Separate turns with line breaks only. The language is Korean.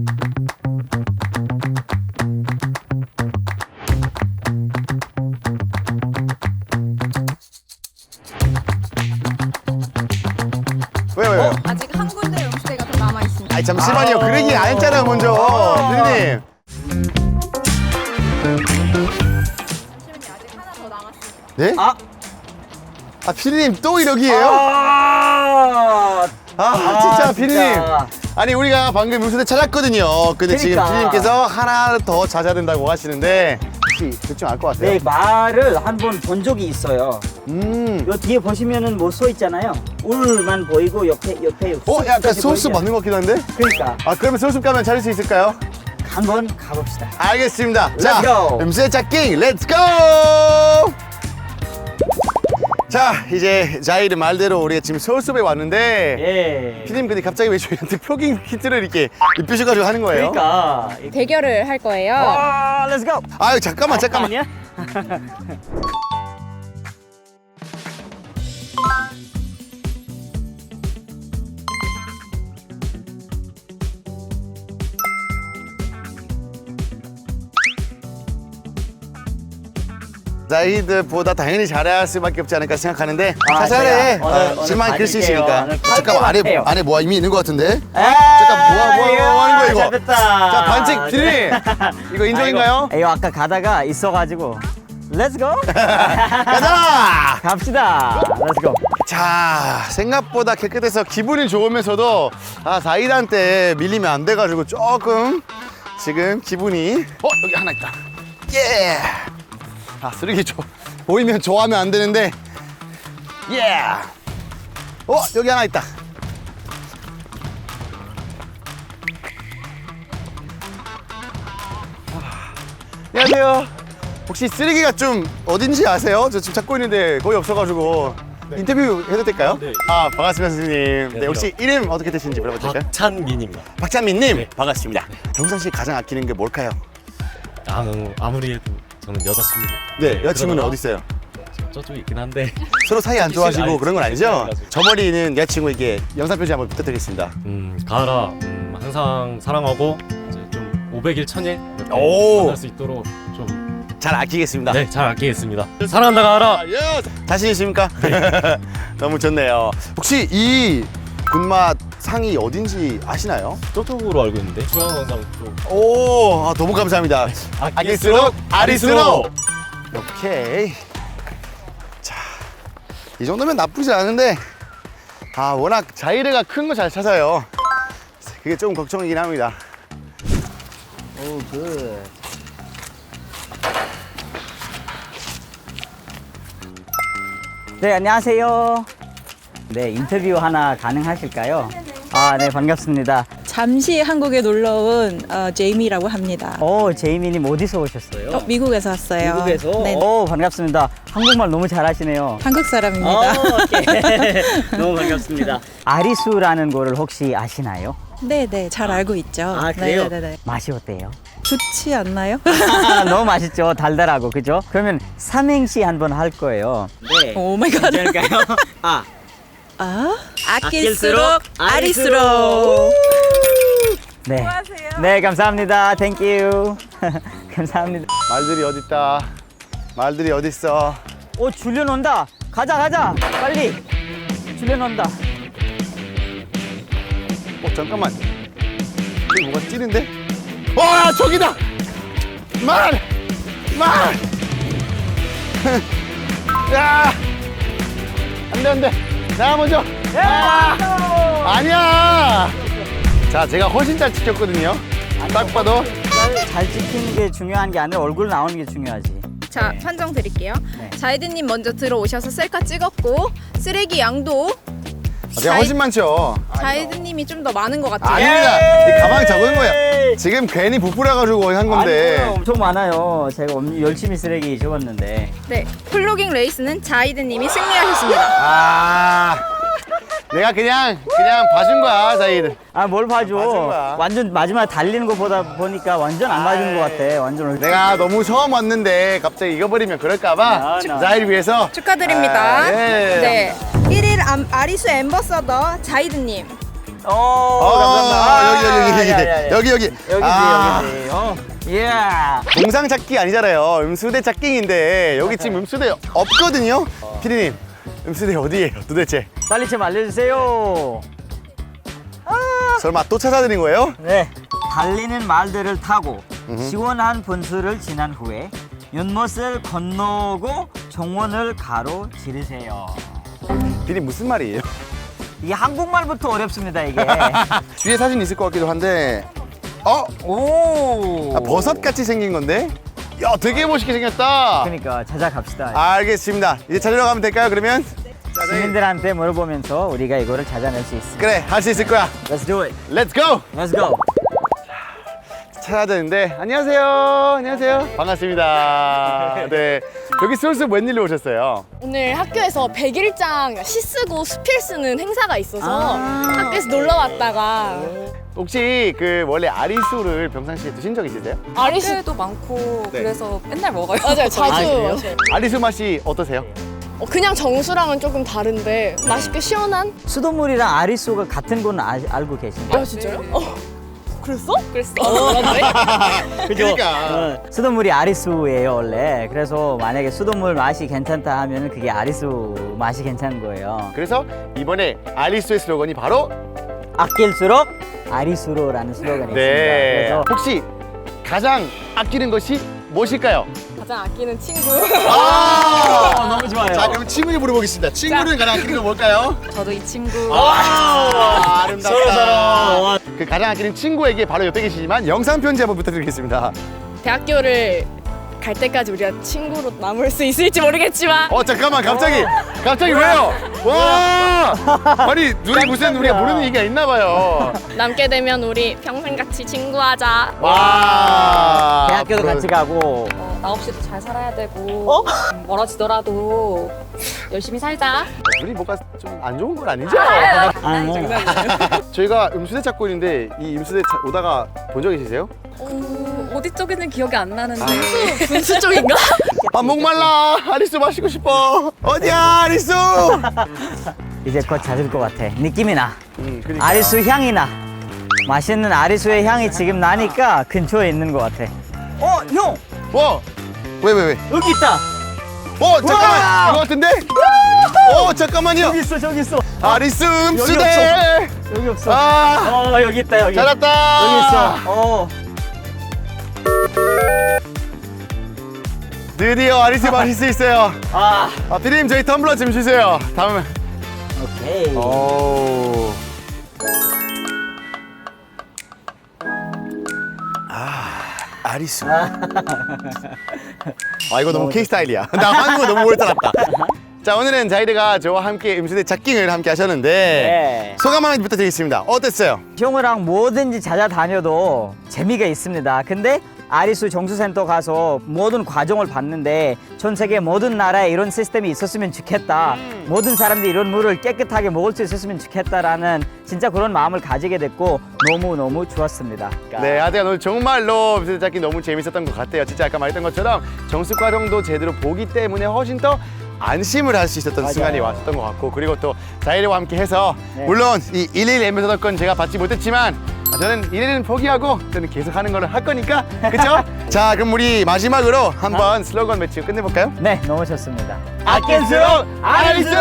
왜요?
아직 한 군데 음식대가 더 남아 있습니다.
아니 잠시만요. 그 얘기 안 했잖아요 먼저. 피디님.
잠시만요. 아직 하나 더 남았습니다.
네?
아,
피디님 또 이러기예요? 진짜 피디님. 아니 우리가 방금 음식대 찾았거든요. 근데 지금
그러니까.
피디님께서 하나 더 찾아야 된다고 하시는데 혹시 대충 알 것 같아요?
네, 말을 한 번 본 적이 있어요.
음.
요 뒤에 보시면은 뭐 써 있잖아요. 울만 보이고 옆에
약간
숲까지
소스
보이죠?
맞는 것 같기도 한데?
그러니까
그러면 소스 가면 찾을 수 있을까요?
한번 가봅시다.
알겠습니다.
Let's
자,
go.
음식 찾기 렛츠 고! 자, 이제 자이르 말대로 우리가 지금 서울숲에 왔는데
예.
피디님 근데 갑자기 왜 저희한테 표기 키트를 이렇게 입히셔가지고 하는 거예요?
그러니까.
대결을 할 거예요.
렛츠 고.
아유 잠깐만.
아니야?
자이드보다 당연히 잘할 수밖에 없지 않을까 생각하는데
아,
자잘해.
제가 오늘
실만 글수
봐줄게요.
있으니까.
오늘
잠깐만
할게요.
안에 뭐 이미 있는 것 같은데?
잠깐
뭐 하는 거야, 이거?
잡혔다.
자 반칙 피디님 이거 인정인가요?
이거 아까 가다가 있어가지고 렛츠 고.
가자!
갑시다. 렛츠 고.
자 생각보다 깨끗해서 기분이 좋으면서도 자이드한테 밀리면 안 돼가지고 조금 지금 기분이 여기 하나 있다. 예. 쓰레기 보이면 좋아하면 안 되는데 예. 여기 하나 있다. 안녕하세요. 혹시 쓰레기가 좀 어딘지 아세요? 저 지금 찾고 있는데 거의 없어가지고 인터뷰 해도 될까요?
네.
반갑습니다 선생님. 네, 혹시 이름 어떻게 되시는지 물어봐도 될까요?
박찬민입니다.
박찬민님
네.
반갑습니다. 정상 씨 가장 아끼는 게 뭘까요?
아무리 해도 저는 여자친구.
네, 여자친구는
그러다가
어디 있어요?
저쪽에 있긴 한데.
서로 사이 안 좋아하시고
아니,
그런 건 아니죠?
아니가지고.
저 머리 있는 여자친구에게 영상 편지 한번 부탁드리겠습니다.
가을아, 항상 사랑하고 이제 좀 500일 1000일 이렇게
오.
만날 수 있도록 좀
잘 아끼겠습니다.
네, 잘 아끼겠습니다. 사랑한다 가을아.
자신 있습니까? 너무 좋네요. 혹시 이 군맛 상이 어딘지 아시나요?
저쪽으로 알고 있는데. 중앙광장 쪽.
오, 너무 감사합니다. 아낄수록 아리수록. 오케이. 자, 이 정도면 나쁘지 않은데 워낙 자이르가 큰 거 잘 찾아요. 그게 좀 걱정이긴 합니다.
오, 굿. 네, 안녕하세요. 네, 인터뷰 하나 가능하실까요? 네, 반갑습니다.
잠시 한국에 놀러 온 제이미라고 합니다.
제이미님 어디서 오셨어요?
미국에서 왔어요.
미국에서?
네,
반갑습니다. 한국말 너무 잘하시네요.
한국 사람입니다.
오케이. 너무 반갑습니다. 아리수라는 거를 혹시 아시나요?
네, 잘 알고 있죠.
그래요?
네.
맛이 어때요?
좋지 않나요?
너무 맛있죠. 달달하고, 그죠? 그러면 삼행시 한번 할 거예요. 네.
오 마이 갓.
괜찮을까요?
아낄수록 아리수록.
네. 네, 감사합니다. 땡큐. 감사합니다.
말들이 어딨다. 말들이 어딨어.
줄련 온다. 가자. 빨리. 줄련 온다.
잠깐만. 여기 뭐가 찌는데? 저기다! 말! 야! 안 돼. 나 먼저. 아니야! 자, 제가 훨씬 잘 지켰거든요. 딱 봐도.
잘 찍히는 게 중요한 게 아니라 얼굴 나오는 게 중요하지.
자,
네.
판정 드릴게요.
네.
자이드님 먼저 들어오셔서 셀카 찍었고 쓰레기 양도
제가 훨씬 많죠.
자이드님이 좀 더 많은 것 같아요.
아닙니다. 이 가방에 적은 거예요. 지금 괜히 부풀어가지고 한 건데.
아니요, 엄청 많아요. 제가 열심히 쓰레기 적었는데.
네, 플로깅 레이스는 자이드님이 승리하셨습니다.
내가 그냥 봐준 거야, 자이드.
뭘 봐줘.
맞은 거야.
완전 마지막에 달리는 거 보니까 완전 안 맞은 것 같아. 완전
내가 너무 처음 왔는데 갑자기 잊어버리면 그럴까봐 자이를 위해서.
축하드립니다.
예.
네, 1일 아리수 앰버서더 자이드님.
감사합니다.
여기. 여기.
여기지. 예.
동상 찾기 아니잖아요. 음수대 찾기인데 여기 지금 음수대 없거든요. 피디님, 음수대 어디예요 도대체?
빨리 좀 알려주세요.
설마 또 찾아드린 거예요?
네. 달리는 말들을 타고 시원한 분수를 지난 후에 연못을 건너고 정원을 가로지르세요.
피디님 무슨 말이에요?
이게 한국말부터 어렵습니다, 이게.
뒤에 사진 있을 것 같기도 한데
오.
버섯 같이 생긴 건데? 야, 되게 멋있게 생겼다.
그러니까 찾아갑시다.
알겠습니다. 이제 찾으러 가면 될까요, 그러면?
시민들한테 물어보면서 우리가 이거를 찾아낼 수 있어.
그래, 할 수 있을 거야.
Let's do it.
Let's go!
Let's go.
찾아야 되는데. 안녕하세요. 안녕하세요. 반갑습니다. 네. 여기 솔솔 웬일로 오셨어요?
오늘 학교에서 100일장 시 쓰고 수필 쓰는 행사가 있어서 학교에서 놀러 왔다가
혹시 그 원래 아리수를 평상시에 드신 적 있으세요?
아리수
학교에도 많고
네.
그래서 맨날 먹어요.
맞아요, 자주
그래요?
마셔요.
아리수 맛이 어떠세요?
그냥 정수랑은 조금 다른데 맛있게 시원한?
수돗물이랑 아리수가 같은 건 알고 계신가요?
아 진짜요? 그랬어? 그랬어. 맞네.
그죠?
그러니까.
수돗물이 아리수예요 원래. 그래서 만약에 수돗물 맛이 괜찮다 하면 그게 아리수 맛이 괜찮은 거예요.
그래서 이번에 아리수의 슬로건이 바로
아낄수록 아리수로라는 슬로건이
네.
있습니다. 그래서
혹시 가장 아끼는 것이 무엇일까요?
가장 아끼는 친구.
너무 좋아요.
자, 그럼 친구를 물어보겠습니다. 친구는 가장 아끼는 건 뭘까요?
저도 이 친구
아름답다.
서로.
그 가장 아끼는 친구에게 바로 옆에 계시지만 영상 편지 한번 부탁드리겠습니다.
대학교를 갈 때까지 우리가 친구로 남을 수 있을지 모르겠지만
잠깐만 갑자기 왜요? 와 아니 눈에 무슨 우리가 모르는 얘기가 있나 봐요.
남게 되면 우리 평생같이 친구하자.
와
대학교도
그럼-
같이 가고.
나 없이도 잘 살아야 되고 멀어지더라도 열심히 살자.
둘이 뭐가 좀 안 좋은 건 아니죠? 저희가 음수대 찾고 있는데 이 음수대 오다가 본 적 있으세요?
어디 쪽에는 기억이 안 나는데
분수 쪽인가?
아 목말라 아리수 마시고 싶어. 어디야 아리수?
이제 곧 찾을 것 같아. 느낌이 나.
그러니까요.
아리수 향이 나. 맛있는 아리수의 향이 지금 나니까 근처에 있는 것 같아. 형!
왜?
여기 있다!
잠깐만
우와!
이거 같은데? 잠깐만요.
여기 있어, 저기 있어.
아리수 음수대.
여기 없어.
아
여기 있다, 여기.
찾았다.
여기 있어.
드디어 아리수 마실 수 있어요. 피디님 저희 텀블러 좀 주세요. 다음에.
오케이.
오. 아리수. 이거 너무 K 스타일이야. 나 한국어 너무 오래 살았다. 자 오늘은 자이드가 저와 함께 음수대 찾기를 함께 하셨는데
네.
소감 한번 부탁드리겠습니다. 어땠어요?
형이랑 뭐든지 찾아다녀도 재미가 있습니다. 근데 아리수 정수센터 가서 모든 과정을 봤는데 전 세계 모든 나라에 이런 시스템이 있었으면 좋겠다. 모든 사람들이 이런 물을 깨끗하게 먹을 수 있었으면 좋겠다라는 진짜 그런 마음을 가지게 됐고 너무너무 좋았습니다.
네, 하여튼 오늘 정말로 음수대 찾기 너무 재밌었던 것 같아요. 진짜 아까 말했던 것처럼 정수 과정도 제대로 보기 때문에 훨씬 더 안심을 할 수 있었던
맞아요.
순간이 왔었던 것 같고 그리고 또 자이드와 함께 해서
네.
물론 이 111 앰베서더권 제가 받지 못했지만 저는 111은 포기하고 저는 계속 하는 걸 할 거니까 그쵸? 자 그럼 우리 마지막으로 한번 슬로건 외치고 끝내볼까요?
네, 너무 좋습니다.
아낄수록 아릴수록!